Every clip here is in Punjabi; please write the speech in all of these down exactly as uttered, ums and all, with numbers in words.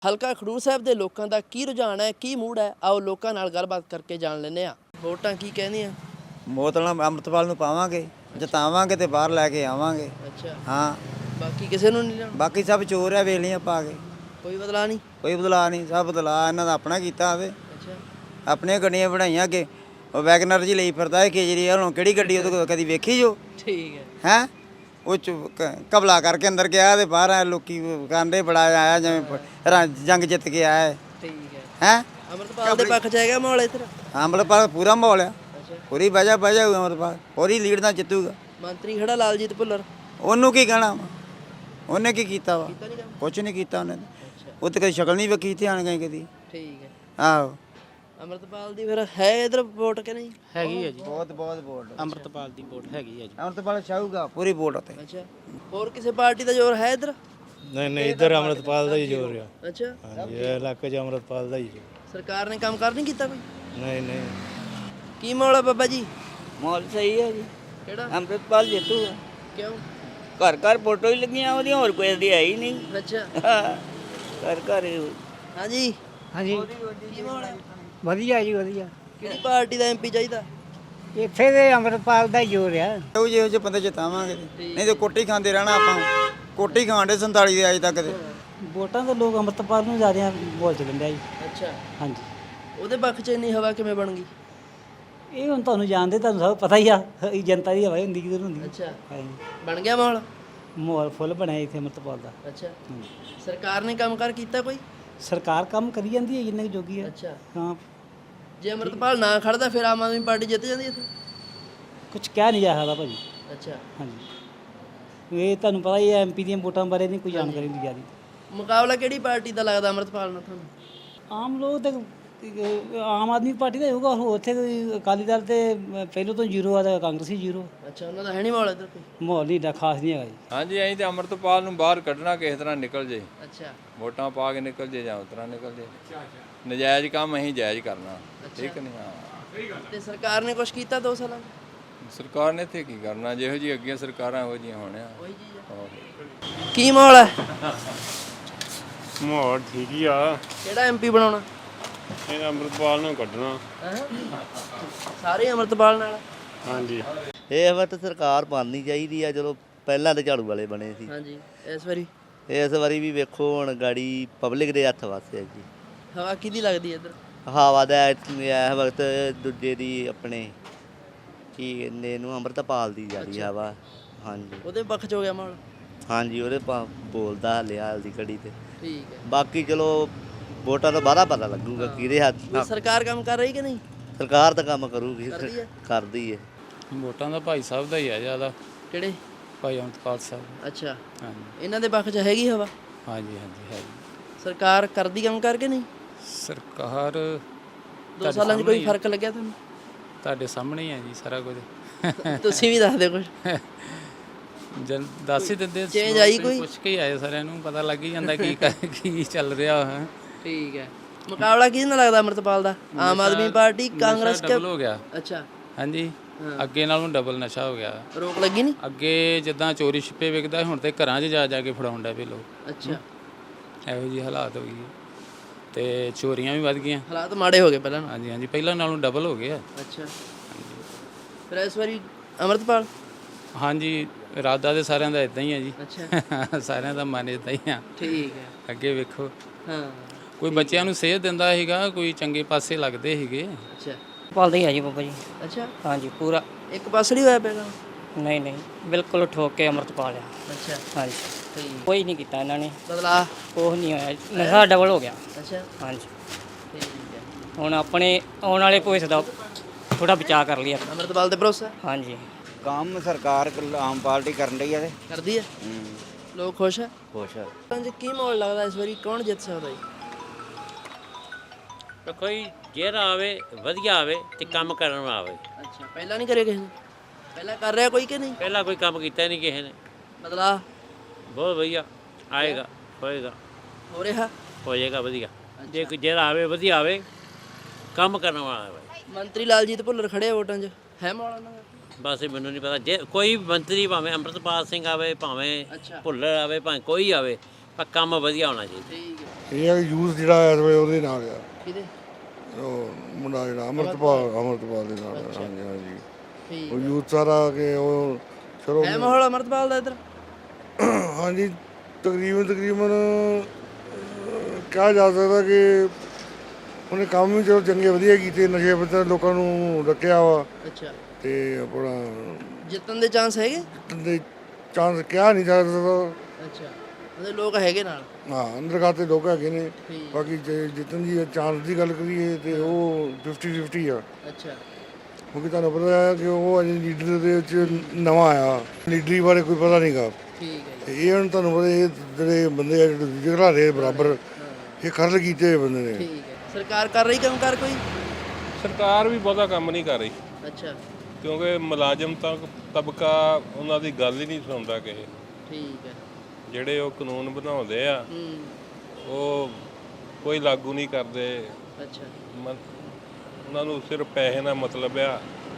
ਹਲਕਾ ਖਡੂਰ ਸਾਹਿਬ ਦੇ ਲੋਕਾਂ ਦਾ ਕੀ ਰੁਝਾਨ ਹੈ, ਕੀ ਮੂਡ ਹੈ, ਆਓ ਲੋਕਾਂ ਨਾਲ ਗੱਲਬਾਤ ਕਰਕੇ ਜਾਣ ਲੈਂਦੇ ਹਾਂ। ਵੋਟਾਂ ਕੀ ਕਹਿੰਦੀਆਂ? ਵੋਟ ਨਾਲ ਅੰਮ੍ਰਿਤਪਾਲ ਨੂੰ ਪਾਵਾਂਗੇ, ਜਿਤਾਵਾਂਗੇ ਤੇ ਬਾਹਰ ਲੈ ਕੇ ਆਵਾਂਗੇ। ਅੱਛਾ, ਹਾਂ, ਬਾਕੀ ਕਿਸੇ ਨੂੰ ਨਹੀਂ ਲੈਣਾ? ਬਾਕੀ ਸਭ ਚੋਰ ਆ, ਵੇਲੀਆਂ ਪਾ ਕੇ। ਕੋਈ ਬਦਲਾ ਨਹੀਂ? ਕੋਈ ਬਦਲਾ ਨਹੀਂ, ਸਭ ਬਦਲਾ ਇਹਨਾਂ ਦਾ ਆਪਣਾ ਕੀਤਾ ਹੋਵੇ। ਅੱਛਾ, ਆਪਣੀਆਂ ਗੱਡੀਆਂ ਬਣਾਈਆਂ ਅੱਗੇ ਉਹ ਵੈਗਨਰ ਜੀ ਲਈ ਫਿਰਦਾ ਹੈ ਕੇਜਰੀਵਾਲ ਨੂੰ, ਕਿਹੜੀ ਗੱਡੀ ਉਹਦੇ ਕੋਲ ਕਦੀ ਵੇਖੀ ਜੋ? ਠੀਕ ਹੈ। ਹੈਂ ਉਹ ਚ ਕਬਲਾ ਕਰਕੇ ਅੰਦਰ ਗਿਆ ਤੇ ਬਾਹਰ ਆ ਲੋਕੀ ਕਾਂਡੇ ਬੜਾ ਆਇਆ ਜਿਵੇਂ ਰਾਂ- ਜੰਗ ਜਿੱਤ ਕੇ ਆਇਆ ਹੈ। ਠੀਕ ਹੈ। ਹੈਂ ਅੰਮ੍ਰਿਤਪਾਲ ਦੇ ਪੱਖ 'ਚ ਹੈਗਾ ਮਾਹੌਲ ਇੱਧਰ? ਅੰਮ੍ਰਿਤਪਾਲ ਪੂਰਾ ਮਾਹੌਲ ਆ, ਅੱਛਾ, ਪੂਰੀ ਵਜ੍ਹਾ ਵਜ੍ਹਾ ਹੋਊ ਅੰਮ੍ਰਿਤਪਾਲ, ਪੂਰੀ ਲੀਡ ਨਾਲ ਜਿੱਤੂਗਾ। ਮੰਤਰੀ ਖੜਾ ਲਾਲਜੀਤ ਭੁੱਲਰ, ਉਹਨੂੰ ਕੀ ਕਹਿਣਾ ਵਾ? ਉਹਨੇ ਕੀ ਕੀਤਾ ਵਾ? ਕੀਤਾ ਨਹੀਂ ਕੰਮ? ਕੁਛ ਨਹੀਂ ਕੀਤਾ ਉਹਨੇ। ਅੱਛਾ, ਉਹ ਤੇ ਕਦੀ ਸ਼ਕਲ ਨਹੀਂ ਵੇਖੀ ਇੱਥੇ ਆਣ ਗਏ ਕਦੀ। ਠੀਕ ਹੈ। ਆਹੋ, ਅੰਮ੍ਰਿਤਪਾਲ ਦੀ ਫਿਰ ਹੈ ਇੱਧਰ ਵੋਟ ਕਿ ਨਹੀਂ? ਹੈਗੀ ਹੈ ਜੀ, ਬਹੁਤ ਬਹੁਤ ਵੋਟ ਅੰਮ੍ਰਿਤਪਾਲ ਦੀ ਵੋਟ ਹੈਗੀ ਹੈ ਜੀ। ਅੰਮ੍ਰਿਤਪਾਲ ਛਾਊਗਾ ਪੂਰੀ ਵੋਟ ਉੱਤੇ। ਅੱਛਾ, ਹੋਰ ਕਿਸੇ ਪਾਰਟੀ ਦਾ ਜ਼ੋਰ ਹੈ ਇੱਧਰ? ਨਹੀਂ ਨਹੀਂ ਇੱਧਰ ਅੰਮ੍ਰਿਤਪਾਲ ਦਾ ਹੀ ਜ਼ੋਰ ਆ। ਅੱਛਾ, ਹਾਂਜੀ, ਇਹ ਇਲਾਕੇ 'ਚ ਅੰਮ੍ਰਿਤਪਾਲ ਦਾ ਹੀ ਜ਼ੋਰ। ਸਰਕਾਰ ਨੇ ਕੰਮ ਕਰ ਨਹੀਂ ਕੀਤਾ ਕੋਈ? ਨਹੀਂ ਨਹੀਂ ਕੀ ਮਾਹੌਲ ਹੈ ਬਾਬਾ ਜੀ? ਮਾਹੌਲ ਸਹੀ ਹੈ ਜੀ, ਕਿਹੜਾ? ਅੰਮ੍ਰਿਤਪਾਲ ਜੇਤੂਗਾ। ਕਿਉਂ? ਘਰ ਘਰ ਫੋਟੋ ਹੀ ਲੱਗੀਆਂ ਉਹਦੀਆਂ, ਹੋਰ ਕੋਈ ਦੀ ਹੈ ਹੀ ਨਹੀਂ। ਅੱਛਾ, ਘਰ ਘਰ ਹੀ। ਹਾਂਜੀ ਹਾਂਜੀ, ਕੀ ਮਾਹੌਲ ਹੈ? ਵਧੀਆ ਜੀ ਵਧੀਆ। ਕਿਹੜੀ ਪਾਰਟੀ ਦਾ ਐਮਪੀ ਚਾਹੀਦਾ? ਇੱਥੇ ਦੇ ਅੰਮ੍ਰਿਤਪਾਲ ਦਾ ਹੀ ਜ਼ੋਰ ਆ। ਉਹ ਜਿਹੋ ਜਿਹੇ ਬੰਦੇ ਜਿਤਾਵਾਂਗੇ, ਨਹੀਂ ਤੇ ਕੋਟੀ ਖਾਂਦੇ ਰਹਿਣਾ ਆਪਾਂ। ਕੋਟੀ ਖਾਂਦੇ ਸੰਤਾਲੀ ਦੇ ਅਜੇ ਤੱਕ ਦੇ। ਵੋਟਾਂ ਤਾਂ ਲੋਕ ਅੰਮ੍ਰਿਤਪਾਲ ਨੂੰ ਜ਼ਿਆਦਾ ਬੋਲ ਚ ਦਿੰਦੇ ਆ ਜੀ। ਅੱਛਾ, ਹਾਂਜੀ, ਉਹਦੇ ਪੱਖ 'ਚ ਇੰਨੀ ਹਵਾ ਕਿਵੇਂ ਬਣ ਗਈ? ਇਹ ਹੁਣ ਤੁਹਾਨੂੰ ਜਾਣਦੇ, ਤੁਹਾਨੂੰ ਸਭ ਪਤਾ ਹੀ ਆ, ਇਹ ਜਨਤਾ ਦੀ ਹਵਾ ਹੀ ਹੁੰਦੀ ਕਿਧਰ ਹੁੰਦੀ। ਅੱਛਾ, ਹਾਂਜੀ, ਬਣ ਗਿਆ ਮਾਹੌਲ? ਮਾਹੌਲ ਫੁੱਲ ਬਣਿਆ ਇੱਥੇ ਅੰਮ੍ਰਿਤਪਾਲ ਦਾ। ਅੱਛਾ, ਸਰਕਾਰ ਨੇ ਕੰਮ ਕਰ ਕੀਤਾ ਕੋਈ? ਸਰਕਾਰ ਕੰਮ ਕਰੀ ਜਾਂਦੀ ਹੈ ਜਿੰਨੇ ਕੁ ਜੋਗੀ ਹੈ। ਅੱਛਾ, ਹਾਂ, ਜੇ ਅੰਮ੍ਰਿਤਪਾਲ ਨਾ ਖੜਦਾ ਫਿਰ ਆਮ ਆਦਮੀ ਪਾਰਟੀ ਜਿੱਤ ਜਾਂਦੀ ਇੱਥੇ? ਕੁਝ ਕਹਿ ਨਹੀਂ ਜਾ ਸਕਦਾ ਭਾਜੀ। ਅੱਛਾ, ਹਾਂਜੀ, ਇਹ ਤੁਹਾਨੂੰ ਪਤਾ ਹੀ ਹੈ, ਐਮਪੀ ਦੀਆਂ ਵੋਟਾਂ ਬਾਰੇ ਨਹੀਂ ਕੋਈ ਜਾਣਕਾਰੀ ਹੁੰਦੀ ਜ਼ਿਆਦਾ। ਮੁਕਾਬਲਾ ਕਿਹੜੀ ਪਾਰਟੀ ਦਾ ਲੱਗਦਾ ਅੰਮ੍ਰਿਤਪਾਲ ਨਾਲ ਤੁਹਾਨੂੰ? ਆਮ ਲੋਕ ਤੇ ਆਮ ਆਦਮੀ ਪਾਰਟੀ ਦਾ ਹੋਊਗਾ, ਹੋਰ ਉੱਥੇ ਕੋਈ ਅਕਾਲੀ ਦਲ ਤੇ ਪਹਿਲੋਂ ਤੋਂ ਜ਼ੀਰੋ ਆ, ਤਾਂ ਕਾਂਗਰਸੀ ਜ਼ੀਰੋ। ਅੱਛਾ, ਉਹਨਾਂ ਦਾ ਹੈ ਨਹੀਂ ਮਾਹੌਲ ਇੱਧਰ ਕੋਈ? ਮਾਹੌਲ ਨਹੀਂ ਏਡਾ ਖਾਸ ਨਹੀਂ ਹੈਗਾ ਜੀ। ਹਾਂਜੀ, ਅਸੀਂ ਤੇ ਅੰਮ੍ਰਿਤਪਾਲ ਨੂੰ ਬਾਹਰ ਕੱਢਣਾ ਕਿਸੇ ਤਰ੍ਹਾਂ ਨਿਕਲ ਜੇ, ਅੱਛਾ, ਵੋਟਾਂ ਪਾ ਕੇ ਨਿਕਲ ਜੇ ਜਾਂ ਉਸ ਤਰ੍ਹਾਂ ਨਿਕਲ ਜੇ। ਨਜਾਇਜ਼ ਕੰਮ ਅਸੀਂ ਜਾਇਜ਼ ਕਰਨਾ, ਠੀਕ ਨਹੀਂ? ਹਾਂ, ਤੇ ਸਰਕਾਰ ਨੇ ਕੁਝ ਕੀਤਾ ਦੋ ਸਾਲਾਂ 'ਚ? ਸਰਕਾਰ ਨੇ ਇੱਥੇ ਕੀ ਕਰਨਾ, ਜਿਹੋ ਜਿਹੀ ਅੱਗੇ ਸਰਕਾਰਾਂ ਇਹੋ ਜਿਹੀਆਂ ਹੋਣੀਆਂ। ਉਹੀ ਚੀਜ਼ ਹੈ। ਕੀ ਮਾਹੌਲ ਹੈ? ਮਾਹੌਲ ਠੀਕ ਹੀ ਆ। ਕਿਹੜਾ ਐਮਪੀ ਬਣਾਉਣਾ? ਇਹ ਅੰਮ੍ਰਿਤਪਾਲ ਨੂੰ ਕੱਢਣਾ। ਹੈਂ? ਸਾਰੇ ਅੰਮ੍ਰਿਤਪਾਲ ਨਾਲ? ਹਾਂਜੀ, ਇਹ ਵਕਤ ਸਰਕਾਰ ਬਣਨੀ ਚਾਹੀਦੀ ਆ। ਚਲੋ ਪਹਿਲਾਂ ਤੇ ਝਾੜੂ ਵਾਲੇ ਬਣੇ ਸੀ, ਹਾਂਜੀ, ਇਸ ਵਾਰੀ ਇਸ ਵਾਰੀ ਵੀ ਵੇਖੋ ਹੁਣ ਗਾੜੀ ਪਬਲਿਕ ਦੇ ਹੱਥ ਵਾਸਤੇ ਹੈ ਜੀ। ਹਵਾ ਕਿਹਦੀ ਲੱਗਦੀ ਹੈ ਇੱਧਰ? ਹਵਾ ਦਾ ਇਸ ਵਕਤ ਦੂਜੇ ਦੀ ਆਪਣੇ ਕੀ ਕਹਿੰਦੇ ਇਹਨੂੰ ਅੰਮ੍ਰਿਤਪਾਲ ਦੀ ਜਾ ਰਹੀ ਹਵਾ। ਹਾਂਜੀ ਉਹਦੇ ਪੱਖ 'ਚ ਹੋ ਗਿਆ ਮਾਹੌਲ? ਹਾਂਜੀ, ਉਹਦੇ ਪਾ ਬੋਲਦਾ ਹਲੇ ਹਾਲ ਦੀ ਘੜੀ ਤੇ। ਠੀਕ ਹੈ। ਬਾਕੀ ਚਲੋ ਵੋਟਾਂ ਤੋਂ ਬਾਅਦ ਪਤਾ ਲੱਗੂਗਾ ਕਿਹਦੇ ਹੱਥ। ਕੋਈ ਸਰਕਾਰ ਕੰਮ ਕਰ ਰਹੀ ਕਿ ਨਹੀਂ? ਸਰਕਾਰ ਤਾਂ ਕੰਮ ਕਰੂਗੀ, ਕਰਦੀ ਹੈ? ਕਰਦੀ ਹੈ। ਵੋਟਾਂ ਦਾ ਭਾਈ ਸਾਹਿਬ ਦਾ ਹੀ ਆ ਜ਼ਿਆਦਾ, ਕਿਹੜੇ? ਭਾਈ ਅੰਮ੍ਰਿਤਪਾਲ ਸਾਹਿਬ। ਅੱਛਾ, ਹਾਂਜੀ ਇਹਨਾਂ ਦੇ ਪੱਖ 'ਚ ਹੈਗੀ ਹਵਾ? ਹਾਂਜੀ ਹਾਂਜੀ ਹੈ। ਸਰਕਾਰ ਕਰਦੀ ਕੰਮ ਕਰਕੇ ਨਹੀਂ? ਸਰਕਾਰ ਦੋ ਸਾਲਾਂ 'ਚ ਕੋਈ ਫਰਕ ਲੱਗਿਆ ਤੁਹਾਨੂੰ? ਤੁਹਾਡੇ ਸਾਹਮਣੇ ਹੀ ਹੈ ਜੀ ਸਾਰਾ ਕੁਝ। ਤੁਸੀਂ ਵੀ ਦੱਸ ਦਿਓ ਕੁਝ। ਜਨ ਦੱਸ ਹੀ ਦਿੰਦੇ, change ਆਈ ਕੋਈ? ਪੁੱਛ ਕੇ ਹੀ ਆਏ, ਸਾਰਿਆਂ ਨੂੰ ਪਤਾ ਲੱਗ ਹੀ ਜਾਂਦਾ ਕੀ ਕਰ- ਕੀ ਚੱਲ ਰਿਹਾ ਹੈ। ਠੀਕ ਹੈ। ਮੁਕਾਬਲਾ ਕਿਹਦੇ ਨਾਲ ਲੱਗਦਾ ਅੰਮ੍ਰਿਤਪਾਲ ਦਾ? ਆਮ ਆਦਮੀ ਪਾਰਟੀ, ਕਾਂਗਰਸ? ਡਬਲ ਹੋ ਗਿਆ। ਅੱਛਾ, ਹਾਂਜੀ, ਅੱਗੇ ਨਾਲੋਂ ਡਬਲ ਨਸ਼ਾ ਹੋ ਗਿਆ। ਰੋਕ ਲੱਗੀ ਨਹੀਂ? ਅੱਗੇ ਜਿੱਦਾਂ ਚੋਰੀ ਛਿੱਪੇ ਵਿਕਦਾ, ਹੁਣ ਤੇ ਘਰਾਂ 'ਚ ਜਾ ਜਾ ਕੇ ਫੜਾਉਣ ਡੈ ਪਏ ਲੋਕ। ਅੱਛਾ, ਇਹੋ ਜਿਹੀ ਹਾਲਾਤ ਹੋ ਗਈ ਤੇ ਚੋਰੀਆਂ ਵੀ ਵੱਧ ਗਈਆਂ। ਹਾਲਾਤ ਮਾੜੇ ਹੋ ਗਏ ਪਹਿਲਾਂ ਨਾਲੋਂ? ਹਾਂਜੀ ਹਾਂਜੀ, ਪਹਿਲਾਂ ਨਾਲੋਂ ਡਬਲ ਹੋ ਗਏ ਆ। ਅੱਛਾ, ਫਿਰ ਇਸ ਵਾਰੀ ਅੰਮ੍ਰਿਤਪਾਲ? ਹਾਂਜੀ, ਇਰਾਦਾ ਤੇ ਸਾਰਿਆਂ ਦਾ ਇਦਾਂ ਹੀ ਹੈ ਜੀ। ਅੱਛਾ, ਸਾਰਿਆਂ ਦਾ ਮਨ ਇਦਾਂ ਹੀ ਆ। ਠੀਕ ਹੈ। ਅੱਗੇ ਵੇਖੋ, ਹਾਂ, ਕੋਈ ਬੱਚਿਆਂ ਨੂੰ ਸੇਧ ਦਿੰਦਾ ਸੀਗਾ, ਕੋਈ ਚੰਗੇ ਪਾਸੇ ਲੱਗਦੇ ਸੀਗੇ। ਅੱਛਾ ਪਾਲਦਾ ਹੀ ਹੈ ਜੀ ਬਾਬਾ ਜੀ। ਅੱਛਾ, ਹਾਂਜੀ ਪੂਰਾ। ਇੱਕ ਪਾਸੜੀ ਹੋਇਆ ਪਿਆ ਕੰਮ? ਨਹੀਂ ਨਹੀਂ, ਬਿਲਕੁਲ ਠੋਕ ਕੇ ਅੰਮ੍ਰਿਤਪਾਲ ਆ। ਅੱਛਾ, ਹਾਂਜੀ, ਠੀਕ। ਕੋਈ ਨਹੀਂ ਕੀਤਾ ਇਹਨਾਂ ਨੇ, ਬਦਲਾ? ਕੁਛ ਨਹੀਂ ਹੋਇਆ, ਨਸ਼ਾ ਡਬਲ ਹੋ ਗਿਆ। ਅੱਛਾ, ਹਾਂਜੀ, ਠੀਕ ਹੈ। ਹੁਣ ਆਪਣੇ ਆਉਣ ਵਾਲੇ ਭਵਿੱਖ ਦਾ ਥੋੜਾ ਬਚਾਅ ਕਰ ਲਿਆ। ਅੰਮ੍ਰਿਤਪਾਲ ਤੇ ਭਰੋਸਾ? ਹਾਂਜੀ, ਕੰਮ ਸਰਕਾਰ ਆਮ ਪਾਰਟੀ ਕਰਨ ਰਹੀ ਹੈ ਤੇ ਕਰਦੀ ਹੈ? ਲੋਕ ਖੁਸ਼ ਹੈ? ਖੁਸ਼ ਆ। ਪੰਜ ਕੀ ਮਾਹੌਲ ਲੱਗਦਾ ਇਸ ਵਾਰੀ, ਕੌਣ ਜਿੱਤ ਸਕਦਾ ਜੀ? ਕੋਈ ਜਿਹੜਾ ਆਵੇ ਵਧੀਆ ਆਵੇ ਤੇ ਕੰਮ ਕਰਨ ਵਾਲਾ ਆਵੇ। ਅੱਛਾ, ਪਹਿਲਾਂ ਨਹੀਂ ਕਰਿਆ ਕਿਸੇ ਨੇ? ਪਹਿਲਾਂ ਕਰ ਰਿਹਾ ਕੋਈ ਕਿ ਨਹੀਂ? ਪਹਿਲਾਂ ਕੋਈ ਕੰਮ ਕੀਤਾ ਨਹੀਂ ਕਿਸੇ ਨੇ। ਬਦਲਾ ਬਹੁਤ ਵਧੀਆ ਆਏਗਾ, ਹੋਏਗਾ, ਹੋ ਰਿਹਾ? ਹੋ ਜਾਏਗਾ ਵਧੀਆ। ਜੇ ਕੋਈ ਜਿਹੜਾ ਆਵੇ ਵਧੀਆ ਆਵੇ, ਕੰਮ ਕਰਨ ਵਾਲਾ ਆਵੇ। ਮੰਤਰੀ ਲਾਲਜੀਤ ਭੁੱਲਰ ਖੜੇ ਆ ਵੋਟਾਂ 'ਚ, ਹੈ ਮਾਹੌਲ ਉਹਨਾਂ ਦਾ? ਬਸ ਮੈਨੂੰ ਨਹੀਂ ਪਤਾ, ਜੇ ਕੋਈ ਮੰਤਰੀ ਭਾਵੇਂ ਅੰਮ੍ਰਿਤਪਾਲ ਸਿੰਘ ਆਵੇ, ਭਾਵੇਂ ਅੱਛਾ, ਭੁੱਲਰ ਆਵੇ, ਭਾਵੇਂ ਕੋਈ ਆਵੇ, ਪਰ ਕੰਮ ਵਧੀਆ ਹੋਣਾ ਚਾਹੀਦਾ। ਠੀਕ ਹੈ। ਇਹ ਆ ਕਿ ਯੂਥ ਜਿਹੜਾ ਇਸ ਵੇਲੇ ਉਹਦੇ ਨਾਲ ਆ, ਕਿਹਦੇ? ਉਹ ਮੁੰਡਾ ਜਿਹੜਾ ਅੰਮ੍ਰਿਤਪਾਲ ਅੰਮ੍ਰਿਤਪਾਲ ਦੇ ਨਾਲ ਆ। ਹਾਂਜੀ ਹਾਂਜੀ ਠੀਕ ਉਹ ਯੂਥ ਸਾਰਾ ਕਿ ਉਹ ਚਲੋ ਹੈ ਮਾਹੌਲ ਅਮਰਤਪਾਲ ਦਾ ਇੱਧਰ? ਹਾਂਜੀ ਤਕਰੀਬਨ ਤਕਰੀਬਨ ਅਹ, ਕਿਹਾ ਜਾ ਸਕਦਾ ਕਿ ਉਹਨੇ ਕੰਮ ਵੀ ਚਲੋ ਚੰਗੇ ਵਧੀਆ ਕੀਤੇ, ਨਸ਼ੇ ਪੱਤੇ ਲੋਕਾਂ ਨੂੰ ਰੱਖਿਆ ਵਾ ਅੱਛਾ, ਤੇ ਆਪਣਾ ਜਿੱਤਣ ਦੇ ਚਾਂਸ ਹੈਗੇ? ਦੇ ਚਾਂਸ ਕਿਹਾ ਨਹੀਂ ਜਾ ਸਕਦਾ। ਅੱਛਾ, ਉਹਦੇ ਲੋਕ ਹੈਗੇ ਨਾਲ? ਹਾਂ ਅੰਦਰ ਖਾਤੇ ਲੋਕ ਹੈਗੇ ਨੇ, ਠੀਕ। ਬਾਕੀ ਜੇ ਜਿੱਤਣ ਦੀ ਚਾਂਸ ਦੀ ਗੱਲ ਕਰੀਏ ਤੇ ਉਹ ਫਿਫਟੀ ਫਿਫਟੀ ਆ, ਅੱਛਾ, ਕਿਉਂਕਿ ਤੁਹਾਨੂੰ ਪਤਾ ਹੈ ਕਿ ਉਹ ਅਜੇ ਲੀਡਰ ਦੇ ਵਿੱਚ ਨਵਾਂ ਆਇਆ, ਲੀਡਰੀ ਬਾਰੇ ਕੋਈ ਪਤਾ ਨਹੀਂਗਾ। ਠੀਕ ਹੈ ਜੀ। ਤੇ ਇਹ ਹੁਣ ਤੁਹਾਨੂੰ ਪਤਾ ਇਹ ਜਿਹੜੇ ਬੰਦੇ ਆ ਜਿਹੜੇ ਜਿਹੜਾ ਦੇ ਬਰਾਬਰ ਇਹ ਖਰਲ ਕੀਤੇ ਹੋਏ ਬੰਦੇ ਨੇ। ਠੀਕ ਹੈ। ਸਰਕਾਰ ਕਰ ਰਹੀ ਕੰਮ ਕਰ ਕੋਈ? ਸਰਕਾਰ ਵੀ ਬਹੁਤਾ ਕੰਮ ਨਹੀਂ ਕਰ ਰਹੀ, ਅੱਛਾ, ਕਿਉਂਕਿ ਮੁਲਾਜ਼ਮ ਤੱਕ ਤਬਕਾ ਉਹਨਾਂ ਦੀ ਗੱਲ ਹੀ ਨਹੀਂ ਸੁਣਦਾ ਕਿਸੇ। ਠੀਕ ਹੈ। ਜਿਹੜੇ ਉਹ ਕਾਨੂੰਨ ਬਣਾਉਂਦੇ ਆ ਹੂੰ, ਉਹ ਕੋਈ ਲਾਗੂ ਨਹੀਂ ਕਰਦੇ। ਅੱਛਾ, ਮ- ਉਹਨਾਂ ਨੂੰ ਸਿਰਫ ਪੈਸੇ ਨਾਲ ਮਤਲਬ ਆ,